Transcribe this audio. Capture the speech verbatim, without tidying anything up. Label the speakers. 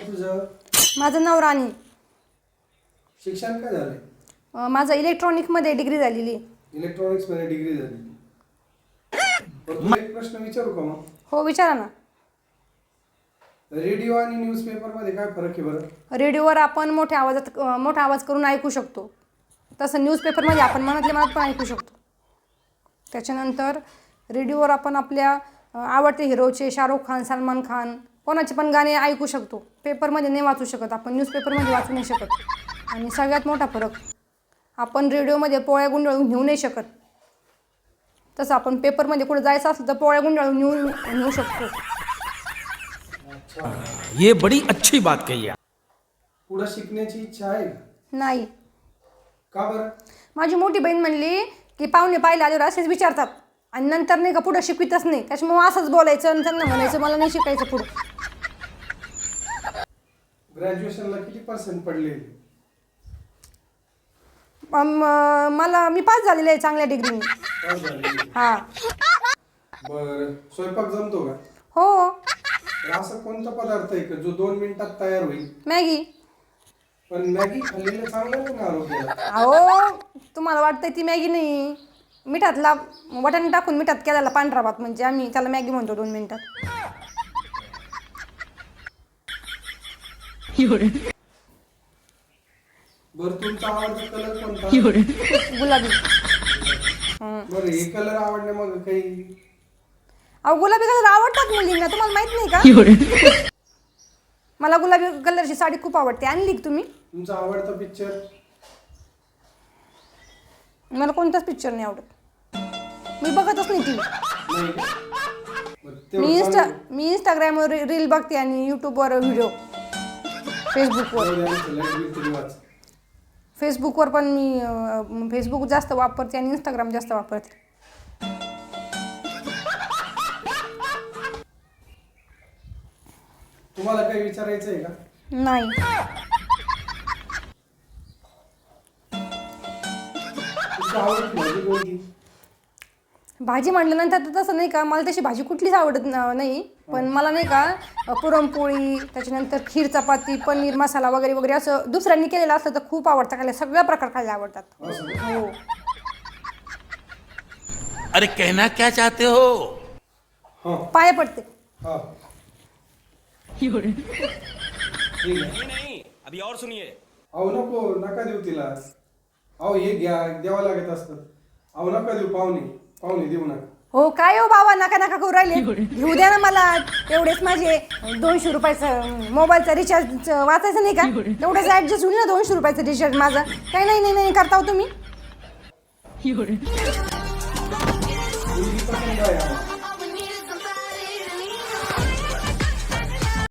Speaker 1: तुझं?
Speaker 2: माझं नाव राणी.
Speaker 1: शिक्षण काय झालंय?
Speaker 2: अं, माझं इलेक्ट्रॉनिकमध्ये डिग्री झालेली आहे.
Speaker 1: इलेक्ट्रॉनिक्स मध्ये डिग्री झाली. बरं, तुला एक प्रश्न विचारू का मग?
Speaker 2: हो विचारा ना.
Speaker 1: रेडिओ आणि न्यूजपेपर मध्ये काय फरक आहे बरं?
Speaker 2: रेडिओवर आपण मोठ्या आवाजात अं, मोठा आवाज करून ऐकू शकतो. तसं न्यूजपेपरमध्ये आपण मनातल्या मनात पण ऐकू शकतो. त्याच्यानंतर रेडिओवर आपण आपल्या अं, आवडते हिरोचे शाहरुख खान, सलमान खान कोणाचे पण गाणे ऐकू शकतो. पेपरमध्ये नाही वाचू शकत आपण, न्यूजपेपरमध्ये वाचू नाही शकत. आणि सगळ्यात मोठा फरक, आपण रेडिओमध्ये पोळ्या गुंडाळून नेऊ नाही शकत. तसं आपण पेपरमध्ये कुठे जायचं असलं तर पोळ्या गुंडाळून नेऊ नेऊ शकतो.
Speaker 3: ये बड़ी अच्छी बात कही है.
Speaker 1: पुढे शिकण्याची इच्छा आहे का?
Speaker 2: नाही.
Speaker 1: का बरं?
Speaker 2: माझी मोठी बहीण म्हणली की पाहुणे पाहिले आल्यावर असेच विचारतात आणि नंतर नाही का पुढं शिकवितच नाही. त्याच्यामुळे असंच बोलायचं आणि त्यांना म्हणायचं मला नाही शिकायचं पुढं.
Speaker 1: ग्रॅज्युएशनला किती पर्सेंट पडले?
Speaker 2: अम, मला मी पास झालेले आहे चांगल्या डिग्रीने.
Speaker 1: पास झाले.
Speaker 2: हां.
Speaker 1: बरं, स्वयंपाक जमतो का?
Speaker 2: हो.
Speaker 1: तर असं कोणता पदार्थ आहे का जो दोन मिनिटात तयार होईल?
Speaker 2: मॅगी.
Speaker 1: पण मॅगी खाल्लेलं चांगलं नाही ना आरोग्याला?
Speaker 2: अहो तुम्हाला वाटतंय ती मॅगी नाही, मिठातला वाटाणे टाकून मिठात केलेला पांढरा भात म्हणजे आम्ही त्याला मॅगी म्हणतो दोन मिनिटात.
Speaker 1: बरं, तुमचा आवडता कलर कोणता?
Speaker 2: गुलाबी.
Speaker 1: बरं, हे कलर आवडणे मग काही?
Speaker 2: अहो गुलाबी कलर आवडतात मुलींना, तुम्हाला माहित नाही का? मला गुलाबी कलरची साडी खूप आवडते. आणली का तुम्ही?
Speaker 1: तुमचा आवडता पिक्चर?
Speaker 2: मला कोणताच पिक्चर नाही आवडत, मी बघतच नाही टी व्ही.
Speaker 1: नाही का? मग
Speaker 2: मी
Speaker 1: तेवढं
Speaker 2: इंस्टा
Speaker 1: चांगलं.
Speaker 2: मी इंस्टाग्रामवर रील बघते आणि यूट्यूबवर व्हिडिओ, फेसबुकवर
Speaker 1: तेवढं आमचं light bill तरी वाच.
Speaker 2: फेसबुकवर पण मी अं, फेसबुक जास्त वापरते आणि इंस्टाग्राम जास्त वापरते.
Speaker 1: तुम्हाला काही विचारायचं आहे का?
Speaker 2: नाही.
Speaker 1: तुमची आवडती भाजी कोणती?
Speaker 2: भाजी म्हटल्यानंतर तर तसं नाही का, मला तशी भाजी कुठलीच आवडत न- नाही. पण मला नाही का अ, पुरणपोळी, त्याच्यानंतर खीर, चपाती, पनीर मसाला वगैरे वगैरे असं दुसऱ्यांनी केलेलं असलं तर खूप आवडतं खायला. सगळ्या प्रकार खायला आवडतात.
Speaker 1: असं का?
Speaker 2: हो.
Speaker 3: अरे कहना क्या चाहते हो?
Speaker 1: हा.
Speaker 2: पाया पडते.
Speaker 1: हा. ठीक आहे.
Speaker 3: नहीं, अभी और सुनिए.
Speaker 1: अहो नको, नका देऊ तिला. अहो हे घ्या, द्यावं लागत असतं. अहो नका देऊ, पाहुणे पाहुणे देऊ नका.
Speaker 2: हो काय हो बाबा, नका नका करू राहिले. घेऊ द्या ना मला. एवढेच माझे दोनशे रुपयाचं मोबाईलचा रिचार्ज वाचायचं नाही का, तेवढंच ॲडजस्ट होईल ना. दोनशे रुपयाचं रिचार्ज माझं काही नाही नाही नाही करता हो तुम्ही.
Speaker 1: मुलगी पसंत आहे आम्हाला.